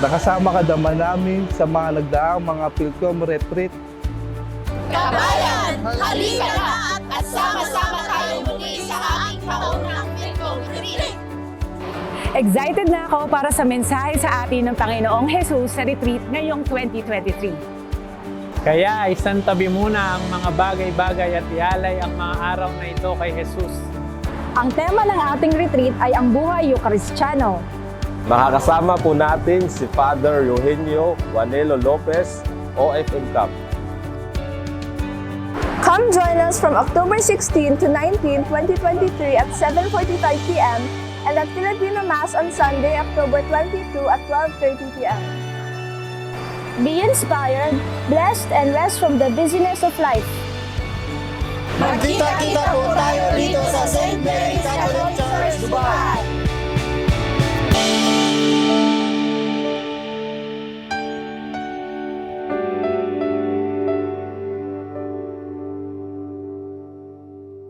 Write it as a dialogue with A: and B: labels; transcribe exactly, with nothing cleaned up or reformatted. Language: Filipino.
A: Nakasama ka naman namin sa mga nagdaang mga Pilcom retreat.
B: Kabayan, halika na at sama-sama tayo muli sa aming kaunang Pilcom retreat.
C: Excited na ako para sa mensahe sa atin ng Panginoong Jesus sa retreat ngayong twenty twenty-three.
D: Kaya isantabi muna ang mga bagay-bagay at ialay ang mga araw na ito kay Jesus.
E: Ang tema ng ating retreat ay ang buhay Eucharistiano.
F: Makakasama po natin si Father Eugenio Juanelo Lopez, O F M Camp.
E: Come join us from October sixteenth to nineteenth, twenty twenty-three at seven forty-five p m and at Filipino Mass on Sunday, October twenty-second at twelve thirty p m Be inspired, blessed, and rest from the busyness of life.
B: Magkita-kita po tayo dito sa Saint Mary's Catholic Church.